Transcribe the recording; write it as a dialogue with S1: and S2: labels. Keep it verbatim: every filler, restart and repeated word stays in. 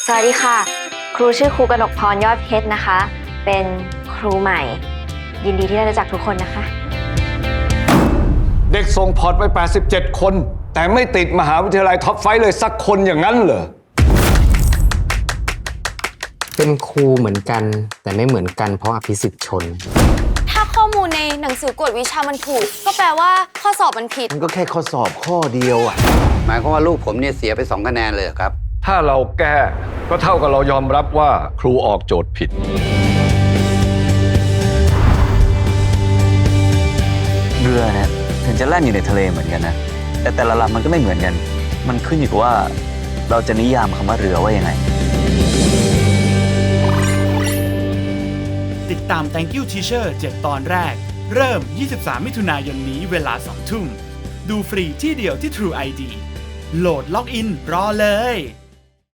S1: สวัสดีค่ะครูชื่อครูกนกพรยอดเพชรนะคะ เป็นครูใหม่ ยินดีที่ได้รู้จักทุกคนนะคะ
S2: เด็กส่งพอร์ตไปแปดสิบเจ็ดคนแต่ไม่ติดมหาวิทยาลัยท็อปไฟว์เลยสักคนอย่างนั้นเหรอ
S3: เป็นครูเหมือนกันแต่ไม่เหมือนกันเพราะอภิสิทธิ์ชน
S4: ถ้าข้อมูลในหนังสือกวดวิชามันถูกก็แปลว่าข้อสอบมันผิด
S5: มันก็แค่ข้อสอบข้อเดียวอ่ะหมายความว่าลูกผมเนี่ยเสียไปสองคะแนนเลยครับ
S2: ถ้าเราแก้ก็เท่ากับเรายอมรับว่าครูออกโจทย์ผิด
S6: เรือเนี่ยถึงจะแล่นอยู่ในทะเลเหมือนกันนะแต่แต่ละลำมันก็ไม่เหมือนกันมันขึ้นอยู่กับว่าเราจะนิยามคำว่าเรือว่ายังไง
S7: ติดตาม Thank You Teacher เจ็ดตอนแรกเริ่มยี่สิบสามมิถุนายนนี้เวลาสองทุ่มดูฟรีที่เดียวที่ True ไอ ดี โหลดล็อกอินรอเลย